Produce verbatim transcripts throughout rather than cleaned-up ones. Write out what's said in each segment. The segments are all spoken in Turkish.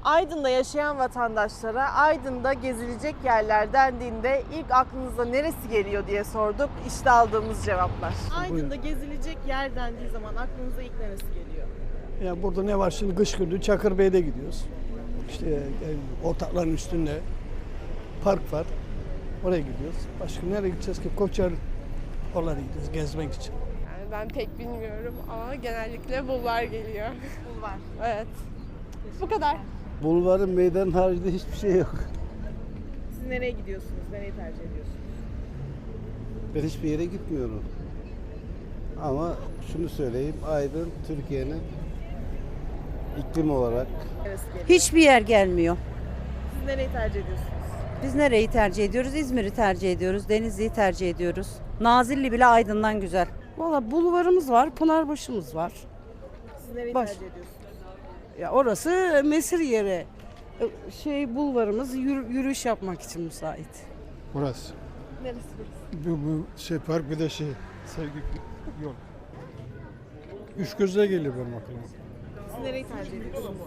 Aydın'da yaşayan vatandaşlara Aydın'da gezilecek yerler dendiğinde ilk aklınıza neresi geliyor diye sorduk. İşte aldığımız cevaplar. Aydın'da gezilecek yer dendiği zaman aklınıza ilk neresi geliyor? Ya burada ne var şimdi, kış günü Çakırbey'de gidiyoruz. İşte yani ortakların üstünde park var. Oraya gidiyoruz. Başka nereye gideceğiz ki? Koçer oralara gidiyoruz gezmek için. Yani ben pek bilmiyorum ama genellikle bulvar geliyor. Bulvar. Evet. Bu kadar. Bulvarın meydanın haricinde hiçbir şey yok. Siz nereye gidiyorsunuz? Nereyi tercih ediyorsunuz? Ben hiçbir yere gitmiyorum. Ama şunu söyleyeyim, Aydın Türkiye'nin iklim olarak Neresi geliyor? Hiçbir yer gelmiyor. Siz nereyi tercih ediyorsunuz? Biz nereyi tercih ediyoruz? İzmir'i tercih ediyoruz. Denizli'yi tercih ediyoruz. Nazilli bile Aydın'dan güzel. Valla bulvarımız var, Pınarbaşı'mız var. Siz nereyi Baş- tercih ediyorsunuz? Ya orası mesir yeri. Şey bulvarımız yürü- yürüyüş yapmak için müsait. Burası. Neresi? Bu, bu şey park bir de şey sevgi yol. Üç gözle geliyor benim aklıma. Siz nereyi tercih ediyorsunuz?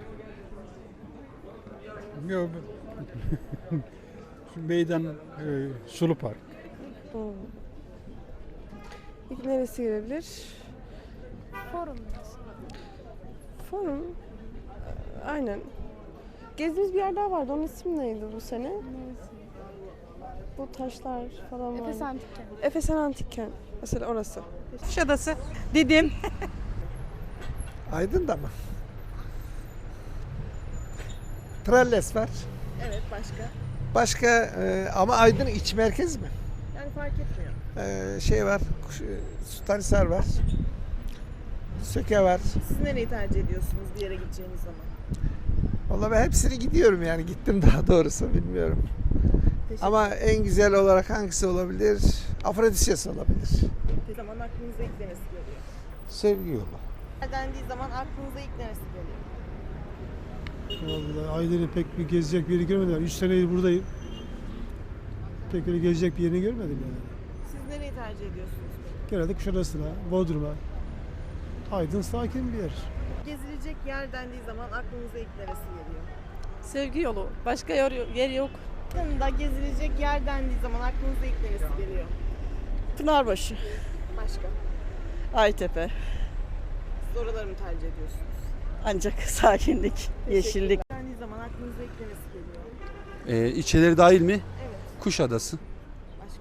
Yok. Şu meydan e, Sulu Park. İlk neresi gelebilir? Forum. Forum. Aynen. Gezdiğimiz bir yer daha vardı. Onun ismi neydi bu sene? Bu taşlar falan var. Efes Antik Kent. Efes Antik Kent. Mesela orası. Kuşadası, Didim. Aydın'da mı? Tralles var. Evet, başka? Başka e, ama Aydın iç merkez mi? Yani fark etmiyor. E, şey var, Kuş- Sultanhisar var. Söke var. Siz nereyi tercih ediyorsunuz bir yere gideceğiniz zaman? Vallahi ben hepsini gidiyorum yani gittim daha doğrusu bilmiyorum. Teşekkür Ama en güzel olarak hangisi olabilir? Afrodisias olabilir. O zaman aklınıza ilk neresi geliyor? sevgi yolu. Dendiği zaman aklınıza ilk neresi geliyor? Vallahi Aydın'ı pek bir gezecek bir yeri görmedim. Üç senedir buradayım. Pek öyle gezecek bir yerini görmedim yani. Siz nereyi tercih ediyorsunuz? Genelde Kuşadası'na, Bodrum'a. Aydın sakin bir yer. Gezilecek yer dendiği zaman aklınıza ilk neresi geliyor? Sevgi yolu. Başka yer, yer yok. Yanında gezilecek yer dendiği zaman aklınıza ilk neresi geliyor? Pınarbaşı, Başka? Aytepe. Siz oraları mı tercih ediyorsunuz? Ancak sakinlik, yeşillik. Dendiği zaman aklınıza ilk neresi geliyor? Ee, ilçeleri dahil mi? Evet. Kuşadası. Başka?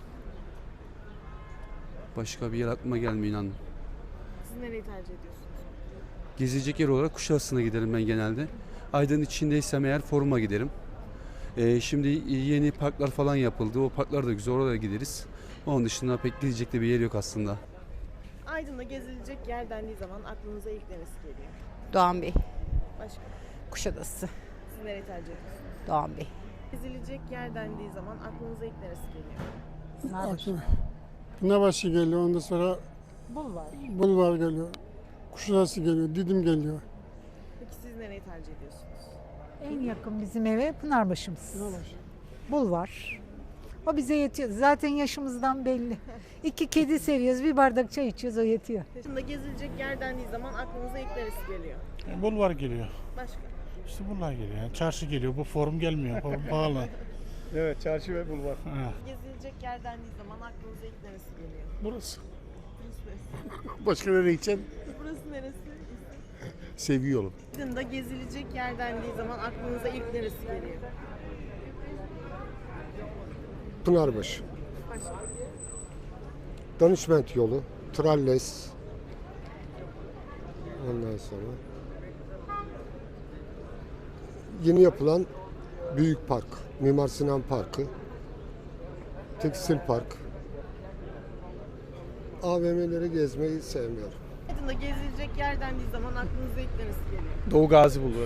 Başka bir yer aklıma gelmiyor inan. Siz nereyi tercih ediyorsunuz? Gezilecek yer olarak Kuşadası'na giderim ben genelde. Aydın içindeysem eğer Forum'a giderim. Ee, şimdi yeni parklar falan yapıldı. O parklar da güzel, oraya gideriz. Onun dışında pek gidecek de bir yer yok aslında. Aydın'da gezilecek yer dendiği zaman aklınıza ilk neresi geliyor? Doğan Bey, Başka? Kuşadası, Siz nereyi tercih ediyorsunuz? Doğan Bey. Gezilecek yer dendiği zaman aklınıza ilk neresi geliyor? Aklıma Pınarbaşı geliyor, ondan sonra Bulvar. Bulvar geliyor. Kuşadası geliyor, Didim geliyor. Peki siz nereyi tercih ediyorsunuz? En yakın bizim eve Pınarbaşı'mız. Bulvar. O bize yetiyor. Zaten yaşımızdan belli. İki kedi seviyoruz, bir bardak çay içiyoruz, o yetiyor. Aydın'da gezilecek yer dendiği zaman aklınıza ilk neresi geliyor? Bulvar geliyor. Başka? İşte bunlar geliyor. Yani çarşı geliyor. Bu forum gelmiyor. Forum pahalı. Evet, çarşı ve bulvar. Ha, Gezilecek yer dendiği zaman aklınıza ilk neresi geliyor? burası. Burası neresi? Başka nereye gideceğim? Burası neresi? Sevgi yolu. Aydın'da gezilecek yer dendiği zaman aklınıza ilk neresi geliyor? Pınarbaşı, Başka? Danışment yolu, Tralles, ondan sonra yeni yapılan Büyük Park, Mimar Sinan Parkı, Tekstil Park. A V M'leri gezmeyi sevmiyorum. Aydın'da gezilecek yer dendiği zaman aklınıza ilk neresi geliyor? Doğu Gazi Bulvarı.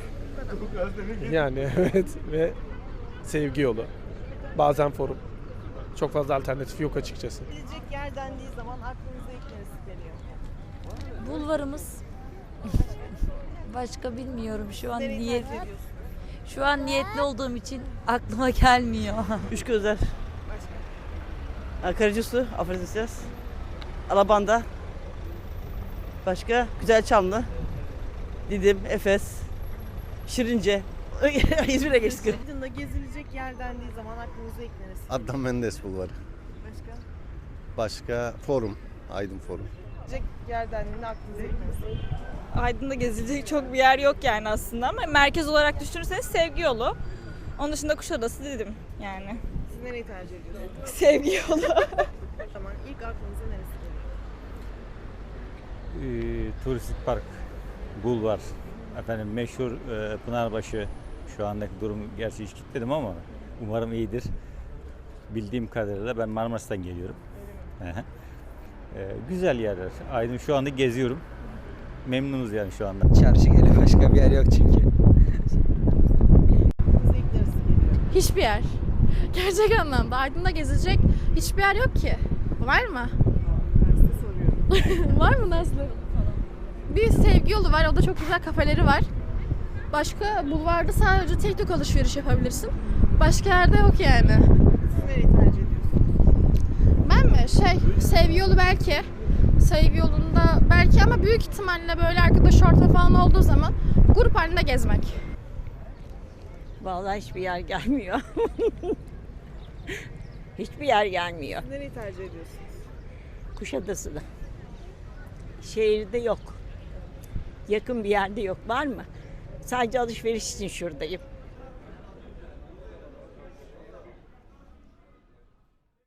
Yani evet ve sevgi yolu. Bazen forum. Çok fazla alternatif yok açıkçası. Gezilecek yer dendiği zaman aklınıza ilk neresi geliyor? Bulvarımız. Başka bilmiyorum şu an Nereyi niyet. tercih ediyorsunuz? Şu an niyetli olduğum için aklıma gelmiyor. Üç gözler. Başka? Karacasu, Afrodisias. Alabanda. Başka? Güzelçamlı. Didim, Efes. Şirince. İzmir'e geçtik. Aydın'da gezilecek yer dendiği zaman aklınıza ilk neresi? Adnan Menderes Bulvarı. Başka? Başka Forum. Aydın Forum. Gezilecek yer dendiğinde aklınıza ilk neresi? Aydın'da gezilecek çok bir yer yok yani aslında ama merkez olarak düşünürseniz Sevgi Yolu. Onun dışında Kuşadası dedim yani. Siz nereyi tercih ediyorsunuz? Sevgi Yolu. Tamam, ilk aklınıza neresi geliyor? Ee, turistik park, bulvar, efendim meşhur e, Pınarbaşı. Şu andaki durum gerçi hiç gitmedim ama umarım iyidir. Bildiğim kadarıyla ben Marmaris'ten geliyorum. Hı hı. Ee, güzel yerler. Aydın şu anda geziyorum. Memnunuz yani şu anda. Çarşı geliyor, başka bir yer yok çünkü. Aklınıza ilk neresi geliyor? Hiçbir yer. Gerçek anlamda Aydın'da gezilecek hiçbir yer yok ki. Var mı? Ben size soruyorum. Var mı Nazlı? Bir Sevgi Yolu var. O da çok güzel kafeleri var. Başka bulvarda sadece tek tük alışveriş yapabilirsin. Başka yerde yok yani. Siz nereyi tercih ediyorsunuz? Ben mi? Şey, Sevgi Yolu belki. Sevgi Yolu'nda belki ama büyük ihtimalle böyle arkadaş ortamı falan olduğu zaman grup halinde gezmek. Vallahi hiçbir yer gelmiyor. Hiçbir yer gelmiyor. Siz nereyi tercih ediyorsunuz? Kuşadası'da. Şehirde yok. Yakın bir yerde yok. Var mı? Sadece alışveriş için şuradayım.